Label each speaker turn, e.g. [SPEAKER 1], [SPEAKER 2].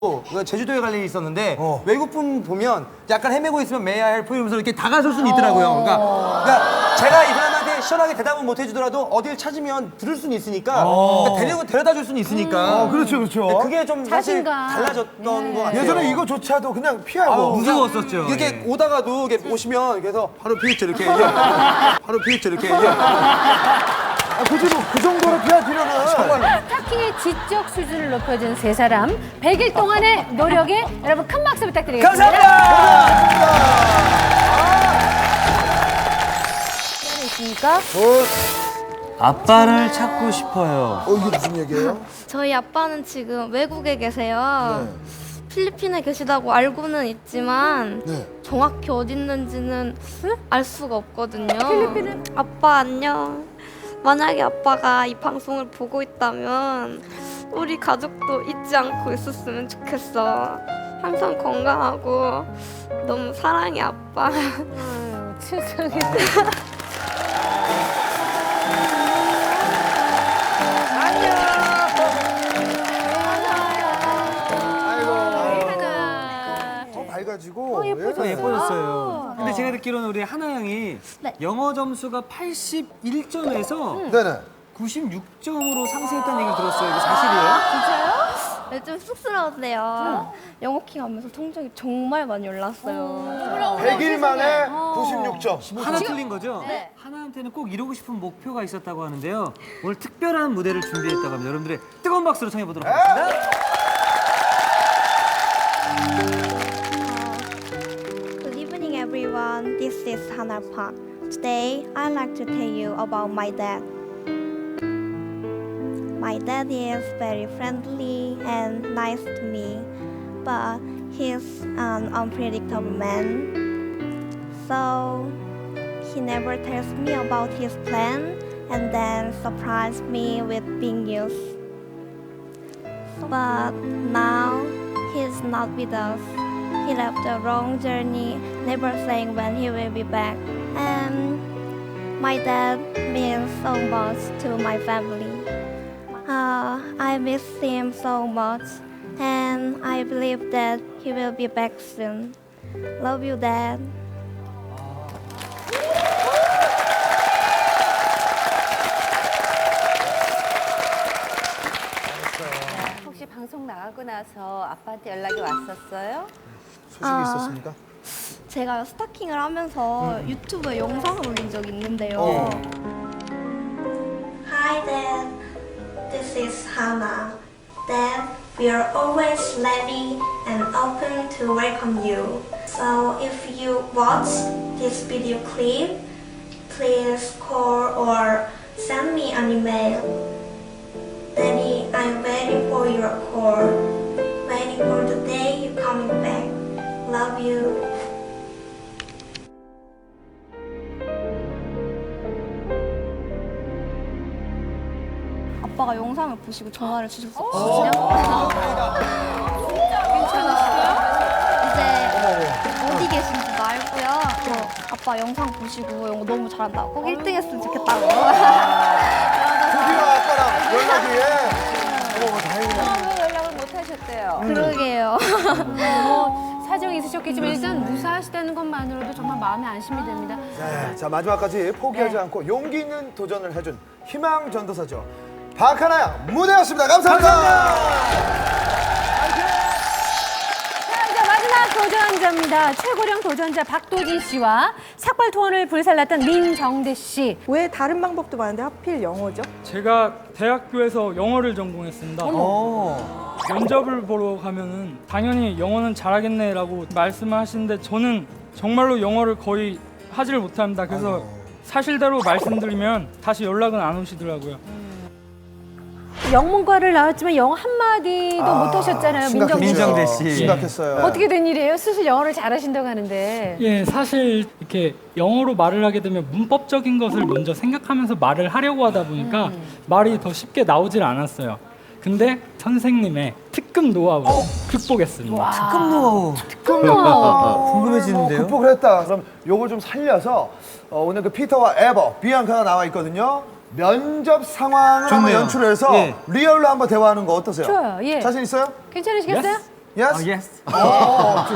[SPEAKER 1] 제주도에 갈 일이 있었는데 외국분 보면 약간 헤매고 있으면 May I help you 이러면서 이렇게 다가설 수는 있더라고요. 그러니까 제가 이 사람한테 시원하게 대답은 못 해주더라도 어딜 찾으면 들을 수는 있으니까 그러니까 데려다 줄 수는 있으니까.
[SPEAKER 2] 그렇죠, 그렇죠.
[SPEAKER 1] 그게 좀 사실
[SPEAKER 3] 자신감.
[SPEAKER 1] 달라졌던 것 같아요.
[SPEAKER 2] 예전에 이거조차도 그냥 피하고.
[SPEAKER 1] 무서웠었죠. 이렇게 오다가도 이렇게 오시면 그래서 바로 피했죠 이렇게. 바로 피했죠 이렇게.
[SPEAKER 2] 굳이 뭐 그 정도로 피할 필요는.
[SPEAKER 3] 스타킹의 지적 수준을 높여준 세 사람 100일 동안의 노력에 여러분 큰 박수 부탁드리겠습니다.
[SPEAKER 1] 감사합니다.
[SPEAKER 3] 있습니까?
[SPEAKER 4] 아빠를 찾고 싶어요.
[SPEAKER 2] 이게 무슨 얘기예요?
[SPEAKER 5] 저희 아빠는 지금 외국에 계세요. 필리핀에 계시다고 알고는 있지만 정확히 어디 있는지는 알 수가 없거든요.
[SPEAKER 3] 필리핀은?
[SPEAKER 5] 아빠 안녕. 만약에 아빠가 이 방송을 보고 있다면 우리 가족도 잊지 않고 있었으면 좋겠어. 항상 건강하고 너무 사랑해 아빠.
[SPEAKER 3] 아유, 세상에.
[SPEAKER 2] 밝아지고.
[SPEAKER 3] 예쁘죠?
[SPEAKER 4] 예뻐졌어요. 근데 제가 듣기로는 우리 하나 양이
[SPEAKER 5] 네.
[SPEAKER 4] 영어 점수가 81점에서
[SPEAKER 2] 네네.
[SPEAKER 4] 96점으로 상승했다는 얘기를 들었어요. 이게 사실이에요?
[SPEAKER 5] 진짜요? 네, 좀 쑥스러운데요. 영어킹 하면서 성적이 정말 많이 올랐어요.
[SPEAKER 2] 100일 만에 96점.
[SPEAKER 4] 하나 틀린 거죠?
[SPEAKER 5] 네.
[SPEAKER 4] 하나한테는 꼭 이루고 싶은 목표가 있었다고 하는데요. 오늘 특별한 무대를 준비했다고 합니다. 여러분들의 뜨거운 박수로 청해 보도록 하겠습니다.
[SPEAKER 5] Good evening, everyone. This is Hannah Park. Today, I'd like to tell you about my dad. My dad is very friendly and nice to me, but he's an unpredictable man. So, he never tells me about his plan and then surprises me with big news. But now, he's not with us. He left a long journey, never saying when he will be back. And my dad means so much to my family. I miss him so much, and I believe that he will be back soon. Love you, Dad.
[SPEAKER 3] 혹시 방송 나가고 나서 아빠한테 연락이 왔었어요?
[SPEAKER 2] 소식이 있었습니까?
[SPEAKER 5] 제가 스타킹을 하면서 유튜브에 영상을 올린 적이 있는데요. Hi Dad, this is Hannah. Dad, we are always ready and open to welcome you. So if you watch this video clip, please call or send me an email. Daddy, I'm waiting for your call. Waiting for the day you coming back. Love you. 아빠가 영상을 보시고 전화를 주셨었거든요. 이제 어디 계신지도 알고요. 아빠 영상 보시고 영어 너무 잘한다. 꼭 1등 했으면 좋겠다고.
[SPEAKER 2] 드디어 아빠랑 연락이. 다행이네.
[SPEAKER 3] 왜 연락을 못 하셨대요?
[SPEAKER 5] 그러게요.
[SPEAKER 3] 사정이 있으셨겠지만 일단 무사하시다는 것만으로도 정말 마음에 안심이 됩니다.
[SPEAKER 2] 네, 자 마지막까지 포기하지 않고 용기 있는 도전을 해준 희망 전도사죠. 박하나 양 무대였습니다. 감사합니다.
[SPEAKER 3] 자, 이제 마지막 도전자입니다. 최고령 도전자 박도진 씨와 삭발 투혼을 불살랐던 민정대 씨.
[SPEAKER 6] 왜 다른 방법도 많은데 하필 영어죠?
[SPEAKER 7] 제가 대학교에서 영어를 전공했습니다. 면접을 보러 가면은 당연히 영어는 잘하겠네라고 말씀을 하시는데 저는 정말로 영어를 거의 하지를 못합니다. 그래서 사실대로 말씀드리면 다시 연락은 안 오시더라고요.
[SPEAKER 3] 영문과를 나왔지만 영어 한마디도 못 하셨잖아요, 민정대 씨.
[SPEAKER 4] 민정대 씨.
[SPEAKER 2] 심각했어요.
[SPEAKER 3] 어떻게 된 일이에요? 스스로 영어를 잘하신다고 하는데.
[SPEAKER 7] 예, 사실 이렇게 영어로 말을 하게 되면 문법적인 것을 먼저 생각하면서 말을 하려고 하다 보니까 말이 더 쉽게 나오질 않았어요. 근데 선생님의 특급 노하우로 극복했습니다.
[SPEAKER 4] 특급 노하우.
[SPEAKER 3] 특급 노하우.
[SPEAKER 4] 궁금해지는데요?
[SPEAKER 2] 극복을 했다. 그럼 요걸 좀 살려서 오늘 그 피터와 에버, 비앙카가 나와 있거든요. 면접 상황을 한번
[SPEAKER 4] 좋네요.
[SPEAKER 2] 연출해서
[SPEAKER 4] 예.
[SPEAKER 2] 리얼로 한번 대화하는 거 어떠세요?
[SPEAKER 3] 좋아요, 예.
[SPEAKER 2] 자신 있어요?
[SPEAKER 3] 괜찮으시겠어요?
[SPEAKER 7] Yes.
[SPEAKER 2] Yes?
[SPEAKER 4] Yes.
[SPEAKER 2] 어,